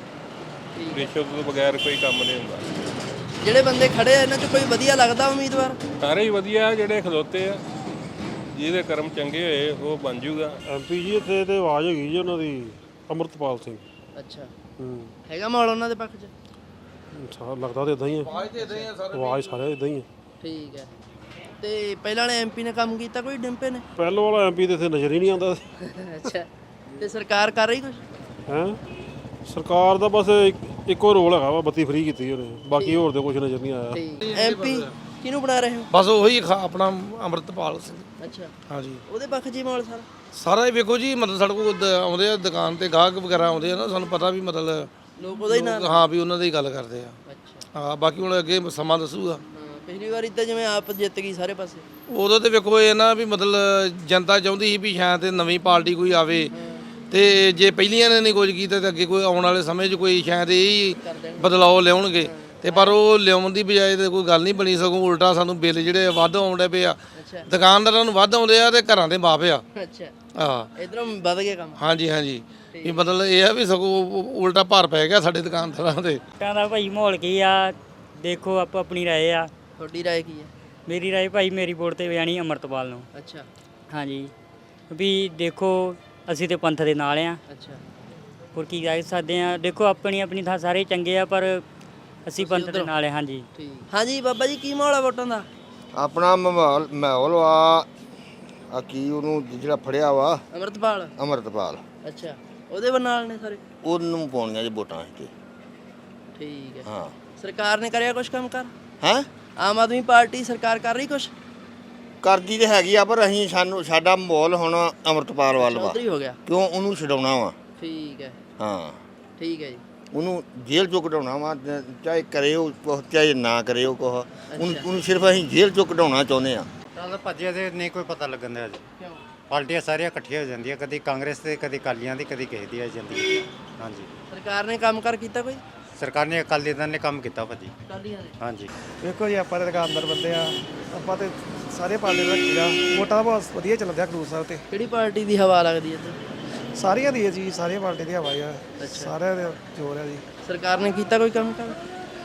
ਠੀਕ ਹੈ। ਰਿਸ਼ਵਤ ਤੋਂ ਬਗੈਰ ਕੋਈ ਕੰਮ ਨਹੀਂ ਹੁੰਦਾ। ਜਿਹੜੇ ਬੰਦੇ ਖੜੇ ਆ ਇਹਨਾਂ 'ਚ ਕੋਈ ਵਧੀਆ ਲੱਗਦਾ ਉਮੀਦਵਾਰ? ਸਾਰੇ ਹੀ ਵਧੀਆ ਆ, ਜਿਹੜੇ ਖਲੋਤੇ ਆ, ਜਿਹਦੇ ਕਰਮ ਚੰਗੇ ਹੋਏ ਉਹ ਬਣ ਜੂਗਾ ਐਮਪੀ ਜੀ। ਇੱਥੇ ਤੇ ਆਵਾਜ਼ ਹੈਗੀ ਜੀ ਉਹਨਾਂ ਦੀ, ਅੰਮ੍ਰਿਤਪਾਲ ਸਿੰਘ। ਅੱਛਾ, ਹੂੰ ਹੈਗਾ ਮਾਹੌਲ ਉਹਨਾਂ ਦੇ ਪੱਖ 'ਚ? ਸਾਰਾ ਲੱਗਦਾ ਤਾਂ ਇਦਾਂ ਹੀ ਹੈ, ਆਵਾਜ਼ ਸਾਰੇ ਇਦਾਂ ਹੀ ਹੈ। ਠੀਕ ਹੈ। ਤੇ ਪਹਿਲਾਂ ਵਾਲੇ ਐਮਪੀ ਨੇ ਕੰਮ ਕੀਤਾ ਕੋਈ ਡਿੰਪੇ ਨੇ? ਪਹਿਲੋਂ ਵਾਲਾ ਐਮਪੀ ਤੇ ਇੱਥੇ ਨਜ਼ਰ ਹੀ ਨਹੀਂ ਆਉਂਦਾ। ਅੱਛਾ, ਤੇ ਸਰਕਾਰ ਕਰ ਰਹੀ ਕੁਝ? ਹੈ ਸਰਕਾਰ ਦਾ ਬਸ ਇੱਕ- ਇੱਕੋ ਰੋਲ ਹੈਗਾ ਵਾ, ਬੱਤੀ ਫ੍ਰੀ ਕੀਤੀ ਉਹਨੇ, ਬਾਕੀ ਹੋਰ ਤੇ ਕੁਝ ਨਜ਼ਰ ਨਹੀਂ ਆਇਆ। ਠੀਕ। ਐਮਪੀ ਕਿਹਨੂੰ ਬਣਾ ਰਹੇ ਹੋ? ਬਸ ਉਹੀ ਖਾ- ਆਪਣਾ ਅੰਮ੍ਰਿਤਪਾਲ ਸਿੰਘ। ਅੱਛਾ, ਹਾਂਜੀ ਉਹਦੇ ਪੱਖ 'ਚ ਹੀ ਮਾਹੌਲ ਸਾਰਾ? ਸਾਰਾ ਹੀ ਵੇਖੋ ਜੀ, ਮਤਲਬ ਸਾਡੇ ਕੋਲ ਦ- ਆਉਂਦੇ ਆ ਦੁਕਾਨ ਤੇ ਗਾਹਕ ਵਗੈਰਾ ਆਉਂਦੇ ਆ ਨਾ, ਸਾਨੂੰ ਪਤਾ ਵੀ ਮਤਲਬ ਲੋਕ ਉਹਦਾ ਹੀ ਨਾਲ? ਹਾਂ ਵੀ ਉਹਨਾਂ ਦੀ ਗੱਲ ਕਰਦੇ ਆ। ਅੱਛਾ, ਹਾਂ ਬਾਕੀ ਹੁਣ ਅੱਗੇ ਸਮਾਂ ਦੱਸੂਗਾ। ਹਾਂ, ਪਿਛਲੀ ਵਾਰ ਇੱਦਾਂ ਜਿਵੇਂ ਆਪ ਜਿੱਤ ਗਈ ਸਾਰੇ ਪਾਸੇ। ਉਦੋਂ ਤੇ ਵੇਖੋ ਇਹ ਨਾ ਵੀ ਮਤਲਬ ਜਨਤਾ ਚਾਹੁੰਦੀ ਸੀ ਵੀ ਸ਼ਾਇਦ ਨਵੀਂ ਪਾਰਟੀ ਕੋਈ ਆਵੇ, ਤੇ ਜੇ ਪਹਿਲੀਆਂ ਨੇ ਨਹੀਂ ਕੁਝ ਕੀਤਾ ਤੇ ਅੱਗੇ ਕੋਈ ਆਉਣ ਵਾਲੇ ਸਮੇਂ 'ਚ ਕੋਈ ਸ਼ਾਇਦ ਇਹ ਬਦਲਾਅ ਲਿਆਉਣਗੇ। ਤੇ ਪਰ ਉਹ ਲਿਆਉਣ ਦੀ ਬਜਾਏ ਤੇ ਕੋਈ ਗੱਲ ਨਹੀਂ ਬਣੀ, ਸਗੋਂ ਉਲਟਾ ਸਾਨੂੰ ਬਿੱਲ ਜਿਹੜੇ ਵੱਧ ਆਉਂਦੇ ਪਏ ਆ, ਦੁਕਾਨਦਾਰਾਂ ਨੂੰ ਵੱਧ ਆਉਂਦੇ ਆ ਤੇ ਘਰਾਂ ਦੇ ਮਾਫ ਆ। ਅੱਛਾ, ਹਾਂ ਇਧਰੋਂ ਵੱਧ ਗਿਆ ਕੰਮ? ਹਾਂਜੀ ਹਾਂਜੀ, ਵੀ ਮਤਲਬ ਇਹ ਆ ਵੀ ਸਗੋਂ ਉਲਟਾ ਭਾਰ ਪੈ ਗਿਆ ਸਾਡੇ ਦੁਕਾਨਦਾਰਾਂ ਤੇ। ਕਹਿੰਦਾ ਭਾਈ ਮਾਹੌਲ ਕੀ ਆ, ਦੇਖੋ ਆਪੋ ਆਪਣੀ ਰਾਏ ਆ। ਤੁਹਾਡੀ ਰਾਏ ਕੀ ਹੈ? ਮੇਰੀ ਰਾਏ ਭਾਈ ਮੇਰੀ ਵੋਟ ਤੇ ਜਾਣੀ ਅੰਮ੍ਰਿਤਪਾਲ ਨੂੰ। ਅੱਛਾ, ਹਾਂਜੀ, ਵੀ ਦੇਖੋ ਅਸੀਂ ਤੇ ਪੰਥ ਦੇ ਨਾਲ ਆ, ਅੱਛਾ, ਹੋਰ ਕੀ ਕਹਿ ਸਕਦੇ ਆ। ਦੇਖੋ ਆਪਣੀ ਆਪਣੀ ਥਾਂ ਸਾਰੇ ਚੰਗੇ ਆ, ਪਰ ਅਸੀਂ ਪੰਥ ਦੇ ਨਾਲ ਆ। ਹਾਂਜੀ ਠੀਕ। ਹਾਂਜੀ ਬਾਬਾ ਜੀ, ਕੀ ਮਾਹੌਲ ਆ ਵੋਟਾਂ ਦਾ? ਆਪਣਾ ਮਾਹੌਲ ਮਾਹੌਲ ਵਾ ਆ ਕੀ ਉਹਨੂੰ ਜਿਹੜਾ ਫੜਿਆ ਵਾ ਅੰਮ੍ਰਿਤਪਾਲ? ਅੰਮ੍ਰਿਤਪਾਲ, ਅੱਛਾ, ਉਹਦੇ ਨਾਲ ਨੇ ਸਾਰੇ? ਉਹਨੂੰ ਪਾਉਣੀਆਂ ਜੀ ਵੋਟਾਂ ਇੱਥੇ। ਠੀਕ ਹੈ। ਹਾਂ। ਸਰਕਾਰ ਨੇ ਕਰਿਆ ਕੁਝ ਕੰਮ ਕਰ? ਹੈ ਆਮ ਆਦਮੀ ਪਾਰਟੀ ਸਰਕਾਰ ਕਰ ਰਹੀ ਕੁਝ? ਕਰਦੀ ਤੇ ਹੈਗੀ ਆ, ਪਰ ਅਸੀਂ ਸਾਨੂੰ ਸਾਡਾ ਮਾਹੌਲ ਹੁਣ ਅੰਮ੍ਰਿਤਪਾਲ ਵੱਲ ਵਾ, ਚੌਧਰੀ ਹੋ ਗਿਆ? ਕਿਉਂ ਉਹਨੂੰ ਛਡਾਉਣਾ ਵਾ। ਠੀਕ ਹੈ। ਹਾਂ ਠੀਕ ਹੈ ਜੀ। ਉਹਨੂੰ ਜੇਲ੍ਹ ਚੋਂ ਕਢਾਉਣਾ ਵਾ, ਚਾਹੇ ਕਰੇ ਉਹ ਕੁਛ ਚਾਹੇ ਨਾ ਕਰੇ ਉਹ ਕੁਛ, ਉਹਨੂੰ ਉਹਨੂੰ ਸਿਰਫ ਅਸੀਂ ਜੇਲ੍ਹ ਚੋਂ ਕਢਾਉਣਾ ਚਾਹੁੰਦੇ ਆ। ਚੱਲ ਭੱਜਿਆ ਤੇ ਨਹੀਂ ਕੋਈ ਪਤਾ ਲੱਗਣ ਦਿਆ ਜੀ। ਕਿਉਂ? ਪਾਰਟੀਆਂ ਸਾਰੀਆਂ ਇਕੱਠੀਆਂ ਹੋ ਜਾਂਦੀਆਂ, ਕਦੀ ਕਾਂਗਰਸ ਤੇ ਕਦੀ ਅਕਾਲੀਆਂ ਦੀ, ਕਦੀ ਕਿਸੇ ਦੀ ਆ ਜਾਂਦੀ। ਹਾਂਜੀ, ਸਰਕਾਰ ਨੇ ਕੰਮ ਕਰ ਕੀਤਾ ਕੋਈ? ਸਰਕਾਰ ਨੇ ਅਕਾਲੀ ਦਲ ਨੇ ਕੰਮ ਕੀਤਾ ਭਾਜੀ। ਅਕਾਲੀਆਂ ਨੇ? ਹਾਂਜੀ। ਵੇਖੋ ਜੀ ਆਪਾਂ ਤੇ ਦੁਕਾਨਦਾਰ ਬੰਦੇ ਆ, ਆਪਾਂ ਤੇ ਸਾਰੇ ਪਾਰਟੀ ਦਾ ਕੀੜਾ, ਵੋਟਾਂ ਦਾ ਬਹੁਤ ਵਧੀਆ ਚੱਲਦਾ ਖਡੂਰ ਸਾਹਿਬ ਤੇ। ਕਿਹੜੀ ਪਾਰਟੀ ਦੀ ਹਵਾ ਲੱਗਦੀ ਹੈ ਇੱਥੇ? ਸਾਰੀਆਂ ਦੀ ਹੈ ਜੀ, ਸਾਰੀਆਂ ਪਾਰਟੀ ਦੀ ਹਵਾ ਆ, ਅੱਛਾ। ਸਾਰਿਆਂ ਦੇ ਜੋਰ ਆ ਜੀ। ਸਰਕਾਰ ਨੇ ਕੀਤਾ ਕੋਈ ਕੰਮ ਕਰ?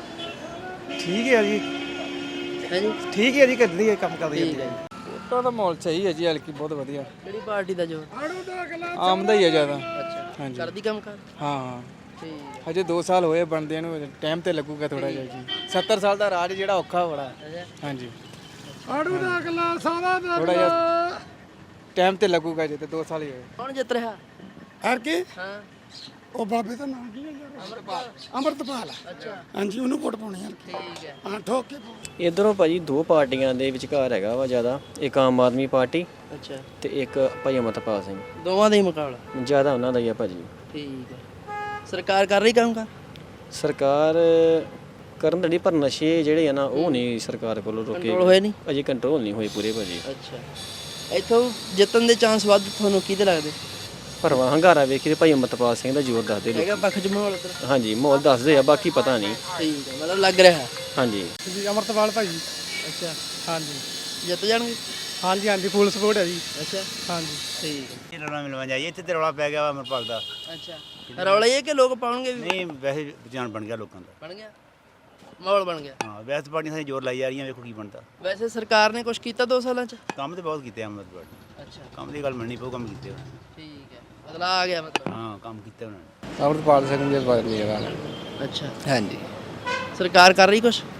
ਠੀਕ ਹੈ ਜੀ, ਹੈ ਜੀ, ਠੀਕ ਹੈ ਜੀ, ਕਰਦੀ ਹੈ ਕੰਮ ਕਰਦੀ ਠੀਕ ਹੈ ਜੀ। ਵੋਟਾਂ ਦਾ ਮਾਹੌਲ ਸਹੀ ਹੈ ਜੀ, ਹਲਕੀ ਬਹੁਤ ਵਧੀਆ। ਕਿਹੜੀ ਪਾਰਟੀ ਦਾ ਜੋਰ? ਆਮ ਦਾ ਹੀ ਹੈ ਜ਼ਿਆਦਾ। ਅੱਛਾ, ਕਰਦੀ ਕੰਮ ਕਰ? ਹਾਂ, ਠੀਕ। ਹਜੇ ਦੋ ਸਾਲ ਹੋਏ ਬਣਦੇ ਨੂੰ, ਟਾਈਮ ਤੇ ਲੱਗੂਗਾ ਥੋੜਾ ਜਿਹਾ ਜੀ। ਸੱਤਰ ਸਾਲ ਦਾ ਰਾਜ ਜਿਹੜਾ ਔਖਾ ਬੜਾ। ਹਾਂਜੀ, ਆੜੂ ਦਾ ਅਗਲਾ ਸਾਰਾ ਥੋੜਾ ਜਿਹਾ ਟਾਈਮ ਤੇ ਲੱਗੂਗਾ ਜੇ ਤੇ ਦੋ ਸਾਲ ਹੀ ਹੋਏ। ਕੌਣ ਜਿੱਤ ਰਿਹਾ? ਹਰ ਕੀ ਹਾਂ, ਉਹ ਬਾਬੇ ਦਾ ਨਾਮ ਕੀ ਹੈ ਯਾਰ? ਅੰਮ੍ਰਿਤਪਾਲ। ਅੰਮ੍ਰਿਤਪਾਲ। ਅੱਛਾ, ਹਾਂਜੀ, ਉਹਨੂੰ ਵੋਟ ਪਾਉਣੀ ਹੈ। ਠੀਕ ਹੈ। ਹਾਂ, ਠੋਕ ਕੇ ਪਾਓ। ਇਧਰੋਂ ਭਾਜੀ ਦੋ ਪਾਰਟੀਆਂ ਦੇ ਵਿਚਕਾਰ ਹੈਗਾ ਵਾ ਜ਼ਿਆਦਾ, ਇੱਕ ਆਮ ਆਦਮੀ ਪਾਰਟੀ ਅੱਛਾ, ਤੇ ਇੱਕ ਭਾਈ ਅਮਰਤਪਾਲ ਸਿੰਘ। ਦੋਵਾਂ ਦਾ ਹੀ ਮੁਕਾਬਲਾ? ਜ਼ਿਆਦਾ ਉਹਨਾਂ ਦਾ ਹੀ ਆ ਭਾਜੀ। ਠੀਕ ਹੈ। ਸਰਕਾਰ ਕਰ ਰਹੀ ਕੰਮ ਕਰ? ਸਰਕਾਰ ਕਰਨ ਤਾਂ ਨਹੀਂ, ਪਰ ਨਸ਼ੇ ਜਿਹੜੇ ਆ ਨਾ ਉਹ ਨਹੀਂ ਸਰਕਾਰ ਕੋਲੋਂ ਰੋਕੇ, ਕੰਟਰੋਲ ਹੋਏ ਨਹੀਂ ਅਜੇ ਕੰਟਰੋਲ ਨਹੀਂ ਹੋਏ ਪੂਰੇ ਭਾਜੀ। ਅੱਛਾ, ਇੱਥੋਂ ਜਿੱਤਣ ਦੇ ਚਾਂਸ ਵੱਧ ਤੁਹਾਨੂੰ ਕਿਹਦੇ ਲੱਗਦੇ? ਭਰਵਾਂ ਹੰਗਾਰਾ ਵੇਖੀ ਤੇ ਭਾਈ ਅਮਰਤਪਾਲ ਸਿੰਘ ਦਾ ਜ਼ੋਰ ਦੱਸਦੇ ਲੋਕ। ਹੈਗਾ ਪੱਖ 'ਚ ਮਾਹੌਲ ਇੱਧਰ? ਹਾਂਜੀ, ਮਾਹੌਲ ਦੱਸਦੇ ਆ, ਬਾਕੀ ਪਤਾ ਨਹੀਂ। ਠੀਕ ਹੈ, ਮਤਲਬ ਲੱਗ ਰਿਹਾ? ਹਾਂਜੀ, ਜੀ ਅੰਮ੍ਰਿਤਪਾਲ ਭਾਈ। ਅੱਛਾ, ਹਾਂਜੀ ਜਿੱਤ ਜਾਣਗੇ? ਹਾਂਜੀ ਹਾਂਜੀ, ਫੁੱਲ ਸਪੋਰਟ ਹੈ ਜੀ। ਅੱਛਾ, ਹਾਂਜੀ, ਠੀਕ ਹੈ। ਇਹ ਰੌਲਾ ਮਿਲਵਾ ਜਾਈਏ, ਇੱਥੇ ਤੇ ਰੌਲਾ ਪੈ ਗਿਆ ਵਾ ਅੰਮ੍ਰਿਤਪਾਲ ਦਾ। ਅੱਛਾ, ਰੌਲਾ ਇਹ ਕਿ ਲੋਕ ਪਾਉਣਗੇ ਵੀ? ਨਹੀਂ, ਵੈਸੇ ਜਾਣ ਬਣ ਗਿਆ ਲੋਕਾਂ ਦਾ। ਬਣ ਗਿਆ ਮਾਹੌਲ, ਬਣ ਗਿਆ। ਹਾਂ, ਵੈਸੇ ਪਾਰਟੀਆਂ ਸਾਰੀ ਜ਼ੋਰ ਲਾਈ ਜਾ ਰਹੀਆਂ, ਵੇਖੋ ਕੀ ਬਣਦਾ। ਵੈਸੇ ਸਰਕਾਰ ਨੇ ਕੁਝ ਕੀਤਾ ਦੋ ਸਾਲਾਂ 'ਚ? ਕੰਮ ਤੇ ਬਹੁਤ ਕੀਤੇ ਅੰਮ੍ਰਿਤਪਾਲ ਨੇ। ਅੱਛਾ ਕੰਮ ਦੀ ਗੱਲ ਮੰਨਣੀ ਪਊ, ਕੰਮ ਕੀਤੇ ਉਹਨਾਂ ਨੇ। ਠੀਕ ਹੈ, ਬਦਲਾ ਆ ਗਿਆ ਮਤਲਬ। ਹਾਂ ਕੰਮ ਕੀਤੇ ਉਹਨਾਂ ਨੇ। ਅੰਮ੍ਰਿਤਪਾਲ ਸਿੰਘ ਜੀ ਬਾਰੇ ਅੱਛਾ, ਹਾਂਜੀ। ਸਰਕਾਰ ਕਰ ਰਹੀ ਕੁਛ?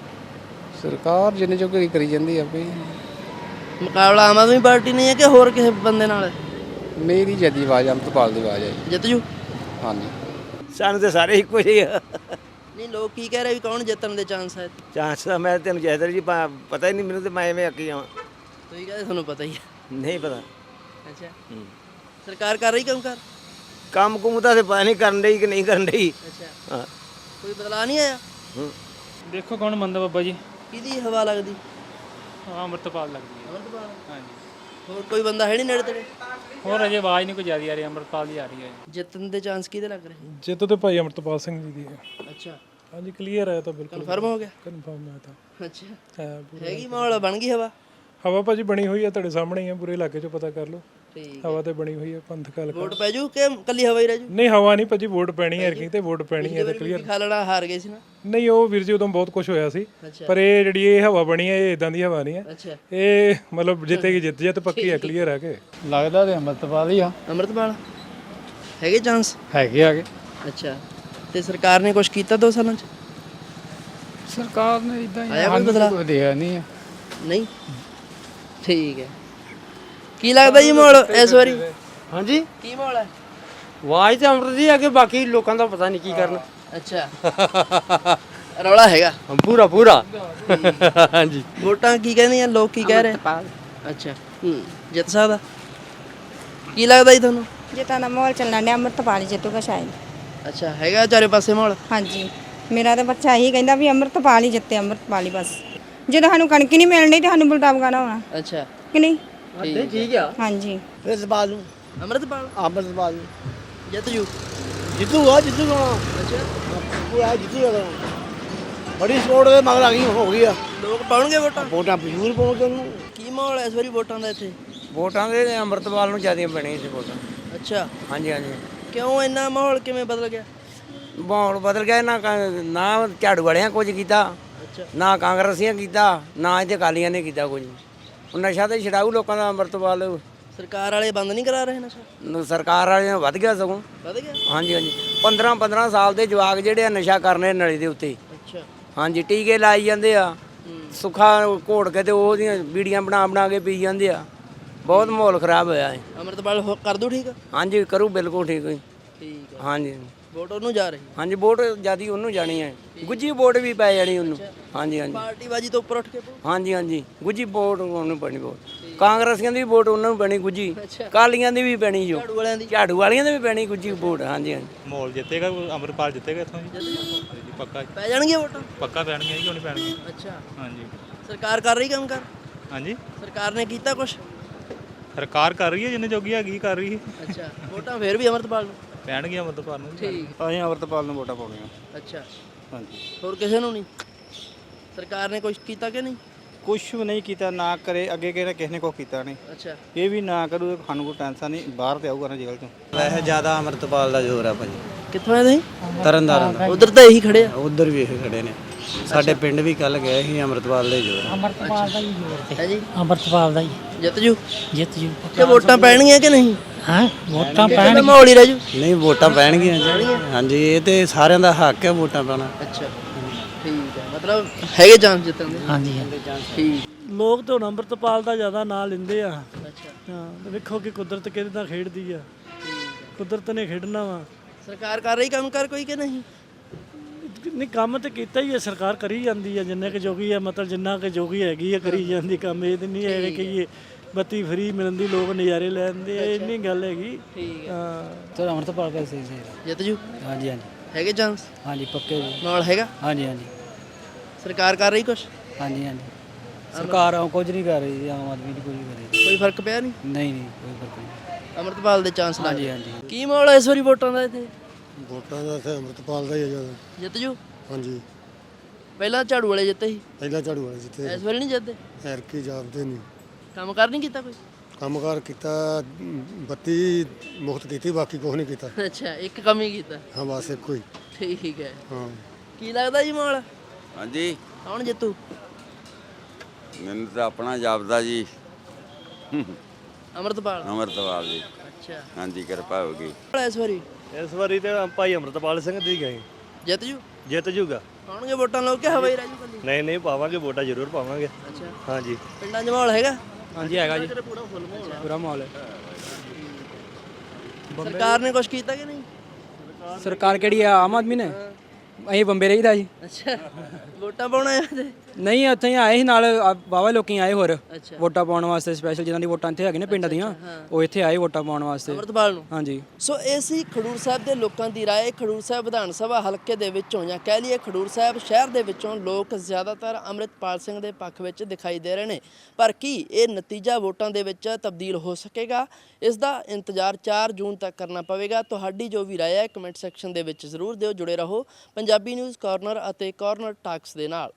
ਸਰਕਾਰ ਜਿੰਨੇ ਜੋ ਕਰੀ ਜਾਂਦੀ ਆ ਵੀ। ਮੁਕਾਬਲਾ ਆਮ ਆਦਮੀ ਪਾਰਟੀ ਨਹੀਂ ਹੈ ਕਿ ਹੋਰ ਕਿਸੇ ਬੰਦੇ ਨਾਲ? ਮੇਰੀ ਜਦੀ ਆਵਾਜ਼ ਅੰਮ੍ਰਿਤਪਾਲ ਦੀ ਆਵਾਜ਼ ਹੈ। ਜਿੱਤ ਜੂ? ਹਾਂਜੀ। ਸਾਨੂੰ ਤਾਂ ਸਾਰੇ ਇੱਕੋ ਜਿਹੇ ਆ। ਨਹੀਂ, ਲੋਕ ਕੀ ਕਹਿ ਰਹੇ ਵੀ ਕੌਣ ਜਿੱਤਣ ਦੇ ਚਾਂਸ ਹੈ? ਚਾਂਸ ਤਾਂ ਮੈਂ ਤੈਨੂੰ ਜੈਦਰ ਜੀ ਪਾ- ਪਤਾ ਹੀ ਨਹੀਂ ਮੈਨੂੰ, ਤੇ ਮੈਂ ਐਵੇਂ ਅੱਕੀ ਜਾਵਾਂ। ਤੁਸੀਂ ਕਹਿੰਦੇ ਤੁਹਾਨੂੰ ਪਤਾ ਹੀ ਹੈ। ਨਹੀਂ ਪਤਾ। ਅੱਛਾ, ਸਰਕਾਰ ਕਰ ਰਹੀ ਕੰਮ ਕਰ? ਕੰਮ ਕੁਮ ਤਾਂ ਪਤਾ ਨਹੀਂ ਕਰਨ ਡਈ ਕਿ ਨਹੀਂ ਕਰਨ ਡਈ। ਅੱਛਾ, ਹਾਂ। ਕੋਈ ਬਦਲਾ ਨਹੀਂ ਆਇਆ? ਦੇਖੋ ਕੌਣ ਮੰਨਦਾ ਬਾਬਾ ਜੀ। ਕਿਹਦੀ ਹਵਾ ਲੱਗਦੀ? ਹਾਂ ਅੰਮ੍ਰਿਤਪਾਲ ਲੱਗਦੀ ਹੈ। ਅਮਰਤਪਾਲ? ਹਾਂਜੀ। ਹੋਰ ਕੋਈ ਬੰਦਾ ਹੈ ਨਹੀਂ ਨੇੜੇ ਤੇੜੇ? ਹੋਰ ਅਜੇ ਆਵਾਜ਼ ਨਹੀਂ ਕੋਈ ਜ਼ਿਆਦਾ ਆ ਰਹੀ, ਅੰਮ੍ਰਿਤਪਾਲ ਦੀ ਆ ਰਹੀ ਹੈ। ਜਿੱਤਣ ਦੇ ਚਾਂਸ ਕਿਹਦੇ ਲੱਗ ਰਹੇ? ਜਿੱਤ ਤੇ ਭਾਈ ਅੰਮ੍ਰਿਤਪਾਲ ਸਿੰਘ ਜੀ ਦੀ ਹੈ। ਅੱਛਾ, ਹਾਂਜੀ ਕਲੀਅਰ ਹੈ ਤਾਂ ਬਿਲਕੁਲ ਕਨਫਰਮ ਹੋ ਗਿਆ? ਕਨਫਰਮ ਹੈ ਤਾਂ। ਅੱਛਾ, ਹੈ ਪੂਰਾ। ਹੈਗੀ ਮਾਹੌਲ, ਬਣ ਗਈ ਹਵਾ? ਹਵਾ ਭਾਜੀ ਬਣੀ ਹੋਈ ਹੈ, ਤੁਹਾਡੇ ਸਾਹਮਣੇ ਹੀ ਹੈ, ਪੂਰੇ ਇਲਾਕੇ 'ਚੋਂ ਪਤਾ ਕਰ ਲਓ। ਠੀਕ, ਹਵਾ ਤੇ ਬਣੀ ਹੋਈ ਹੈ ਪੰਥਕ ਹਲਕਾ। ਵੋਟ ਪੈ ਜੂ ਕਿ ਕੱਲੀ ਹਵਾ ਹੀ ਰਹਿ ਜੂ? ਨਹੀਂ ਹਵਾ ਨਹੀਂ ਭਾਜੀ, ਵੋਟ ਪੈਣੀ ਹੈ ਐਰਕੀ ਤੇ ਵੋਟ ਪੈਣੀ ਹੈ ਤਾਂ ਕਲੀਅਰ। ਕਲੀਅਰ। ਖਾ ਲੈਣਾ, ਹਾਰ ਗਏ ਸੀ ਨਾ? ਨਹੀਂ ਉਹ ਵੀਰ ਜੀ ਉਦੋਂ ਬਹੁਤ ਕੁਝ ਹੋਇਆ ਸੀ, ਅੱਛਾ। ਪਰ ਇਹ ਜਿਹੜੀ ਇਹ ਹਵਾ ਬਣੀ ਹੈ ਇਹ ਇਦਾਂ ਦੀ ਹਵਾ ਨਹੀਂ ਹੈ। ਅੱਛਾ, ਇਹ ਮਤਲਬ ਜਿੱਤੇਗੀ ਜਿੱਤ ਜਿੱਤ ਪੱਕੀ ਹੈ, ਕਲੀਅਰ ਹੈ ਕਿ ਲੱਗਦਾ ਤੇ ਅੰਮ੍ਰਿਤਪਾਲ ਹੀ ਆ। ਅੰਮ੍ਰਿਤਪਾਲ ਹੈਗੇ ਚਾਂਸ? ਹੈਗੇ ਆਗੇ। ਅੱਛਾ, ਤੇ ਸਰਕਾਰ ਨੇ ਕੁਝ ਕੀਤਾ ਦੋ ਸਾਲਾਂ 'ਚ? ਸਰਕਾਰ ਨੇ ਇਦਾਂ ਆਇਆ ਕੋਈ ਬਦਲਾ? ਕੋਈ ਦਿਆ ਨਹੀਂ ਆ। ਨਹੀਂ, ਠੀਕ ਹੈ। ਕੀ ਲੱਗਦਾ ਜੀ ਮਾਹੌਲ ਇਸ ਵਾਰੀ? ਹਾਂਜੀ, ਕੀ ਮਾਹੌਲ ਹੈ? ਆਵਾਜ਼ ਤੇ ਅੰਮ੍ਰਿਤ ਦੀ ਆ ਕਿ ਬਾਕੀ ਲੋਕਾਂ ਦਾ ਪਤਾ ਨਹੀਂ ਕੀ ਕਰਨਾ। ਅੱਛਾ, ਰੌਲਾ ਹੈਗਾ ਪੂਰਾ ਪੂਰਾ। ਹਾਂਜੀ। ਵੋਟਾਂ ਕੀ ਕਹਿੰਦੀਆਂ, ਲੋਕ ਕੀ ਕਹਿ ਰਹੇ? ਅੱਛਾ, ਹੂੰ, ਜਿੱਤ ਸਕਦਾ? ਕੀ ਲੱਗਦਾ ਜੀ ਤੁਹਾਨੂੰ? ਜਿੱਤਾਂ ਦਾ ਮਾਹੌਲ ਚੱਲਣ ਡਿਆ, ਅੰਮ੍ਰਿਤਪਾਲ ਹੀ ਜਿੱਤੂਗਾ ਸ਼ਾਇਦ। ਅੱਛਾ, ਹੈਗਾ ਚਾਰੇ ਪਾਸੇ ਮਾਹੌਲ? ਹਾਂਜੀ, ਮੇਰਾ ਤਾਂ ਬੱਚਾ ਇਹੀ ਕਹਿੰਦਾ ਵੀ ਅੰਮ੍ਰਿਤਪਾਲ ਹੀ ਜਿੱਤੇ, ਅੰਮ੍ਰਿਤਪਾਲ ਹੀ ਬਸ। ਜਦੋਂ ਸਾਨੂੰ ਕਣਕ ਹੀ ਨਹੀਂ ਮਿਲਣੀ ਤੇ ਸਾਨੂੰ ਬਲਟਾਵ ਗਾਣਾ ਹੋਣਾ ਅੱਛਾ, ਕਿ ਨਹੀਂ? ਠੀਕ ਆ। ਹਾਂਜੀ। ਅੰਮ੍ਰਿਤਪਾਲ ਨੂੰ। ਅੰਮ੍ਰਿਤਪਾਲ ਅੰਮ੍ਰਿਤਪਾਲ ਨੂੰ ਜਿੱਤ ਜੂ? ਜਿੱਤੂਗਾ ਜਿੱਤੂਗਾ। ਅੱਛਾ, ਪੂਰਾ ਜਿੱਤੂਗਾ। ਬੜੀ ਸਪੋਰਟ ਦੇ ਮਗਰ ਆ ਗਈ ਹੋ ਗਈ ਆ। ਲੋਕ ਪਾਉਣਗੇ ਵੋਟਾਂ? ਵੋਟਾਂ ਜ਼ਰੂਰ ਪਾਉਣਗੇ ਉਹਨੂੰ। ਕੀ ਮਾਹੌਲ ਹੈ ਇਸ ਵਾਰੀ ਵੋਟਾਂ ਦਾ ਇੱਥੇ? ਵੋਟਾਂ ਦੇ ਅੰਮ੍ਰਿਤਪਾਲ ਨੂੰ ਜ਼ਿਆਦਾ ਪੈਣੀਆਂ ਸੀ ਵੋਟਾਂ। ਅੱਛਾ, ਹਾਂਜੀ ਹਾਂਜੀ। ਕਿਉਂ ਇੰਨਾ ਮਾਹੌਲ ਕਿਵੇਂ ਬਦਲ ਗਿਆ? ਮਾਹੌਲ ਬਦਲ ਗਿਆ ਨਾ, ਕ- ਨਾ ਝਾੜੂ ਵਾਲਿਆਂ ਕੁਝ ਕੀਤਾ, ਅੱਛਾ, ਨਾ ਕਾਂਗਰਸੀਆਂ ਕੀਤਾ, ਨਾ ਇੱਥੇ ਅਕਾਲੀਆਂ ਨੇ ਕੀਤਾ ਕੁਝ। ਉਹ ਨਸ਼ਾ ਤੇ ਛਡਾਊ ਲੋਕਾਂ ਦਾ ਅੰਮ੍ਰਿਤਪਾਲ। ਸਰਕਾਰ ਵਾਲੇ ਬੰਦ ਨਹੀਂ ਕਰਾ ਰਹੇ ਨਸ਼ਾ? ਨ- ਸਰਕਾਰ ਵਾਲਿਆਂ ਵੱਧ ਗਿਆ ਸਗੋਂ। ਵਧ ਗਿਆ? ਹਾਂਜੀ ਹਾਂਜੀ। ਪੰਦਰਾਂ ਪੰਦਰਾਂ ਸਾਲ ਦੇ ਜਵਾਕ ਜਿਹੜੇ ਆ ਨਸ਼ਾ ਕਰਨੇ ਨਲੀ ਦੇ ਉੱਤੇ। ਅੱਛਾ, ਹਾਂਜੀ, ਟੀਕੇ ਲਾਈ ਜਾਂਦੇ ਆ, ਸੁੱਖਾ ਘੋੜ ਕੇ ਤੇ ਉਹਦੀਆਂ ਬੀੜੀਆਂ ਬਣਾ ਬਣਾ ਕੇ ਪੀ ਜਾਂਦੇ ਆ। ਬਹੁਤ ਮਾਹੌਲ ਖਰਾਬ ਹੋਇਆ ਹੈ। ਅੰਮ੍ਰਿਤਪਾਲ ਹੋ- ਕਰ ਦੂ ਠੀਕ? ਹਾਂਜੀ ਕਰੂ ਬਿਲਕੁਲ ਠੀਕ ਹੈ। ਠੀਕ ਹੈ, ਹਾਂਜੀ ਵੋਟ ਉਹਨੂੰ ਜਾ ਰਹੀ? ਹਾਂਜੀ, ਵੋਟ ਜਿਆਦੀ ਉਹਨੂੰ ਜਾਣੀ ਹੈ, ਗੁੱਜੀ ਵੋਟ ਵੀ ਪੈ ਜਾਣੀ ਉਹਨੂੰ। ਹਾਂਜੀ ਹਾਂਜੀ ਪਾਰਟੀ ਬਾਜੀ ਤੋਂ ਉੱਪਰ ਉੱਠ ਕੇ ਪਊ? ਹਾਂਜੀ ਹਾਂਜੀ, ਗੁੱਜੀ ਵੋਟ ਉਹਨੂੰ ਪੈਣੀ ਵੋਟ। ਕਾਂਗਰਸੀਆਂ ਦੀ ਵੀ ਵੋਟ ਉਹਨਾਂ ਨੂੰ ਪੈਣੀ ਗੁੱਜੀ, ਕਾਲੀਆਂ ਦੀ ਵੀ ਪੈਣੀ ਜੋ, ਝਾੜੂ ਵਾਲਿਆਂ ਦੀ? ਝਾੜੂ ਵਾਲੀਆਂ ਦੀ ਵੀ ਪੈਣੀ ਗੁੱਜੀ ਵੋਟ। ਹਾਂਜੀ ਹਾਂਜੀ। ਮਾਹੌਲ ਜਿੱਤੇਗਾ, ਅੰਮ੍ਰਿਤਪਾਲ ਜਿੱਤੇਗਾ ਇੱਥੋਂ ਜੀ। ਪੱਕਾ ਪੈ ਜਾਣਗੀਆਂ ਵੋਟਾਂ? ਪੱਕਾ ਪੈਣਗੀਆਂ ਜੀ, ਕਿਉਂ ਨਹੀਂ ਪੈਣਗੀਆਂ। ਅੱਛਾ, ਹਾਂਜੀ ਸਰਕਾਰ ਕਰ ਰਹੀ ਕੰਮ ਕਰ? ਹਾਂਜੀ। ਸਰਕਾਰ ਨੇ ਕੀਤਾ ਕੁਛ? ਸਰਕਾਰ ਕਰ ਰਹੀ ਹੈ ਜਿੰਨੇ ਜੋਗੀ ਹੈਗੀ ਕਰ ਰਹੀ ਹੈ। ਅੱਛਾ, ਵੋਟਾਂ ਫੇਰ ਵੀ ਅੰਮ੍ਰਿਤਪਾਲ ਨੂੰ? ਪੈਣਗੀਆਂ ਅੰਮ੍ਰਿਤਪਾਲ ਨੂੰ। ਠੀਕ, ਅਸੀਂ ਅੰਮ੍ਰਿਤਪਾਲ ਨੂੰ ਵੋਟਾਂ ਪਾਉਣੀਆਂ। ਅੱਛਾ, ਹਾਂਜੀ। ਹੋਰ ਕਿਸੇ ਨੂੰ ਨਹੀਂ? ਸਰਕਾਰ ਨੇ ਕੁਝ ਕੀਤਾ ਕਿ ਨਹੀਂ? ਕੁਝ ਵੀ ਨਹੀਂ ਕੀਤਾ, ਨਾ ਕਰੇ ਅੱਗੇ ਕਿਹਨੇ ਕਿਸੇ ਨੇ ਕੁਛ ਕੀਤਾ ਨਹੀਂ। ਅੱਛਾ, ਇਹ ਵੀ ਨਾ ਕਰੂ ਸਾਨੂੰ ਕੋਈ ਟੈਨਸ਼ਨ ਨਹੀਂ, ਬਾਹਰ ਤੇ ਆਊਗਾ ਨਾ ਜੇਲ੍ਹ ਚੋਂ। ਵੈਸੇ ਜ਼ਿਆਦਾ ਅੰਮ੍ਰਿਤਪਾਲ ਦਾ ਜ਼ੋਰ ਆ ਭਾਜੀ। ਕਿੱਥੋਂ ਆਏ ਤੁਸੀਂ? ਤਰਨਤਾਰਨ ਦਾ। ਉਧਰ ਤਾਂ ਇਹੀ ਖੜੇ ਆ। ਉਧਰ ਵੀ ਇਹ ਖੜੇ ਨੇ, ਸਾਡੇ ਪਿੰਡ ਵੀ ਕੱਲ ਗਏ ਸੀ ਅੰਮ੍ਰਿਤਪਾਲ ਦੇ ਜ਼ੋਰ। ਅੰਮ੍ਰਿਤਪਾਲ ਦਾ ਹੀ ਜ਼ੋਰ ਹੈ ਜੀ? ਅੰਮ੍ਰਿਤਪਾਲ ਦਾ ਹੀ ਜਿੱਤ ਜੂ? ਜਿੱਤ ਜੂ। ਤੇ ਵੋਟਾਂ ਪੈਣਗੀਆਂ ਕਿ ਨਹੀਂ? ਹਾਂ, ਵੋਟਾਂ ਕਿਹਦਾ ਪੈਣ। ਮਾਹੌਲ ਹੀ ਰਹਿ ਜੂ? ਨਹੀਂ, ਵੋਟਾਂ ਪੈਣਗੀਆਂ ਜੀ। ਹਾਂਜੀ, ਇਹ ਤੇ ਸਾਰਿਆਂ ਦਾ ਹੱਕ ਹੈ ਵੋਟਾਂ ਪਾਉਣਾ। ਅੱਛਾ, ਠੀਕ ਹੈ, ਮਤਲਬ ਹੈਗੇ ਚਾਂਸ ਜਿੱਤਣ ਦੇ? ਹਾਂਜੀ ਠੀਕ। ਲੋਕ ਤਾਂ ਹੁਣ ਅੰਮ੍ਰਿਤਪਾਲ ਦਾ ਜ਼ਿਆਦਾ ਨਾਂ ਲੈਂਦੇ ਆ। ਅੱਛਾ, ਹਾਂ, ਵੇਖੋ ਕਿ ਕੁਦਰਤ ਕਿਹਦੇ ਨਾਲ ਖੇਡਦੀ ਆ। ਕੁਦਰਤ ਨੇ ਖੇਡਣਾ ਵਾ। ਸਰਕਾਰ ਕਰ ਰਹੀ ਕੰਮ ਕਰ ਕੋਈ ਕਿ ਨਹੀਂ? ਨਹੀਂ, ਕੰਮ ਤੇ ਕੀਤਾ ਹੀ ਹੈ, ਸਰਕਾਰ ਕਰੀ ਜਾਂਦੀ ਆ ਜਿੰਨੇ ਕੁ ਜੋਗੀ ਆ, ਮਤਲਬ ਜਿੰਨਾ ਕੁ ਜੋਗੀ ਹੈਗੀ ਆ ਕਰੀ ਜਾਂਦੀ ਕੰਮ। ਇਹ ਤੇ ਨਹੀਂ ਹੈ ਕਿ ਇਹ ਬੱਤੀ ਫਰੀ ਮਿਲਣ ਦੀ ਲੋਕ ਨਜ਼ਾਰੇ ਲੈਂਦੇ ਆ, ਇੰਨੀ ਗੱਲ ਹੈਗੀ। ਠੀਕ ਹੈ। ਹਾਂ, ਚਲੋ ਅੰਮ੍ਰਿਤਪਾਲ ਦਾ ਸਹੀ ਸਹੀ। ਜਿੱਤ ਜੂ? ਹਾਂਜੀ ਹਾਂਜੀ ਹੈਗੇ ਚਾਂਸ? ਹਾਂਜੀ, ਪੱਕੇ ਜੀ। ਮਾਹੌਲ ਹੈਗਾ? ਹਾਂਜੀ ਹਾਂਜੀ ਸਰਕਾਰ ਕਰ ਰਹੀ ਕੁਛ? ਹਾਂਜੀ ਹਾਂਜੀ। ਸਰਕਾਰ ਆ ਕੁਝ ਨਹੀਂ ਕਰ ਰਹੀ ਜੀ, ਆਮ ਆਦਮੀ ਦੀ ਕੁਝ ਨਹੀਂ ਕਰ ਰਹੀ। ਕੋਈ ਫਰਕ ਪਿਆ ਨਹੀਂ? ਨਹੀਂ ਨਹੀਂ, ਕੋਈ ਫਰਕ ਨਹੀਂ। ਅੰਮ੍ਰਿਤਪਾਲ ਦੇ ਚਾਂਸ ਲੱਗ ਹਾਂਜੀ ਗਏ। ਹਾਂਜੀ। ਕੀ ਮਾਹੌਲ ਹੈ ਇਸ ਵਾਰੀ ਵੋਟਾਂ ਦਾ ਇੱਥੇ? ਵੋਟਾਂ ਦਾ ਇੱਥੇ ਅੰਮ੍ਰਿਤਪਾਲ ਦਾ ਹੀ ਹੈ ਜ਼ਿਆਦਾ। ਜਿੱਤ ਜੂ? ਹਾਂਜੀ, ਪਹਿਲਾਂ ਝਾੜੂ ਵਾਲੇ ਜਿੱਤੇ ਸੀ, ਪਹਿਲਾਂ ਝਾੜੂ ਵਾਲੇ ਜਿੱਥੇ ਇਸ ਵਾਰੀ ਨਹੀਂ ਜਿੱਤਦੇ? ਐਰਕੀ ਜਾਪਦੇ ਨਹੀਂ। ਕੰਮ ਕਰ ਨਹੀਂ ਕੀਤਾ ਕੋਈ? ਕੰਮਕਾਰ ਕੀਤਾ, ਬੱਤੀ ਮੁਫਤ ਕੀਤੀ, ਬਾਕੀ ਕੁਛ ਨਹੀਂ ਕੀਤਾ। ਅੱਛਾ, ਇੱਕ ਕੰਮ ਹੀ ਕੀਤਾ? ਹਾਂ, ਬਸ ਇੱਕੋ ਹੀ। ਠੀਕ ਹੈ। ਹਾਂ। ਕੀ ਲੱਗਦਾ ਜੀ ਮਾਹੌਲ? ਹਾਂਜੀ, ਕੌਣ ਜਿੱਤੂ? ਮੈਨੂੰ ਤਾਂ ਆਪਣਾ ਜਾਪਦਾ ਜੀ ਅੰਮ੍ਰਿਤਪਾਲ ਅੰਮ੍ਰਿਤਪਾਲ ਜੀ ਅੱਛਾ ਹਾਂਜੀ ਕਿਰਪਾ ਹੋਗੀ ਇਸ ਵਾਰੀ ਇਸ ਵਾਰੀ ਤੇ ਭਾਈ ਅੰਮ੍ਰਿਤਪਾਲ ਸਿੰਘ ਦੀ ਗਏ ਜਿੱਤ ਜੂ ਜਿੱਤ ਜੂਗਾ ਪਾਉਣਗੇ ਵੋਟਾਂ ਲੋਕ ਕਿ ਹਵਾਈ ਰਹਿ ਜੂ ਕੱਲੀ ਨਹੀਂ ਨਹੀਂ ਪਾਵਾਂਗੇ ਵੋਟਾਂ ਜ਼ਰੂਰ ਪਾਵਾਂਗੇ ਅੱਛਾ ਹਾਂਜੀ ਪਿੰਡਾਂ 'ਚ ਮਾਹੌਲ ਹੈਗਾ ਹਾਂਜੀ ਹੈਗਾ ਜੀ ਪੂਰਾ ਮਾਹੌਲ ਹੈ ਸਰਕਾਰ ਨੇ ਕੁਝ ਕੀਤਾ ਕਿ ਨਹੀਂ ਸਰਕਾਰ ਕਿਹੜੀ ਆ ਆਮ ਆਦਮੀ ਨੇ ਅਸੀਂ ਬੰਬੇ ਰਹੀਦਾ ਜੀ ਅੱਛਾ ਵੋਟਾਂ ਪਾਉਣਾ ਆ ਤੇ ਨਹੀਂ ਉੱਥੇ ਹੀ ਆਏ ਸੀ ਨਾਲ ਵਾਵਾ ਲੋਕੀ ਆਏ ਹੋਰ ਅੱਛਾ ਵੋਟਾਂ ਪਾਉਣ ਵਾਸਤੇ ਸਪੈਸ਼ਲ ਜਿਨ੍ਹਾਂ ਦੀ ਵੋਟਾਂ ਇੱਥੇ ਹੈਗੀਆਂ ਨੇ ਪਿੰਡਾਂ ਦੀਆਂ ਉਹ ਇੱਥੇ ਆਏ ਵੋਟਾਂ ਪਾਉਣ ਵਾਸਤੇ ਅੰਮ੍ਰਿਤਪਾਲ ਨੂੰ ਹਾਂਜੀ ਸੋ ਇਹ ਸੀ ਖਡੂਰ ਸਾਹਿਬ ਦੇ ਲੋਕਾਂ ਦੀ ਰਾਏ ਖਡੂਰ ਸਾਹਿਬ ਵਿਧਾਨ ਸਭਾ ਹਲਕੇ ਦੇ ਵਿੱਚੋਂ ਜਾਂ ਕਹਿ ਲਈਏ ਖਡੂਰ ਸਾਹਿਬ ਸ਼ਹਿਰ ਦੇ ਵਿੱਚੋਂ ਲੋਕ ਜ਼ਿਆਦਾਤਰ ਅੰਮ੍ਰਿਤਪਾਲ ਸਿੰਘ ਦੇ ਪੱਖ ਵਿੱਚ ਦਿਖਾਈ ਦੇ ਰਹੇ ਨੇ ਪਰ ਕੀ ਇਹ ਨਤੀਜਾ ਵੋਟਾਂ ਦੇ ਵਿੱਚ ਤਬਦੀਲ ਹੋ ਸਕੇਗਾ ਇਸ ਦਾ ਇੰਤਜ਼ਾਰ ਚਾਰ ਜੂਨ ਤੱਕ ਕਰਨਾ ਪਵੇਗਾ ਤੁਹਾਡੀ ਜੋ ਵੀ ਰਾਏ ਹੈ ਕਮੈਂਟ ਸੈਕਸ਼ਨ ਦੇ ਵਿੱਚ ਜ਼ਰੂਰ ਦਿਓ ਜੁੜੇ ਰਹੋ ਪੰਜਾਬੀ ਨਿਊਜ਼ ਕਾਰਨਰ ਅਤੇ ਕਾਰਨਰ ਟਾਕਸ ਦੇ ਨਾਲ।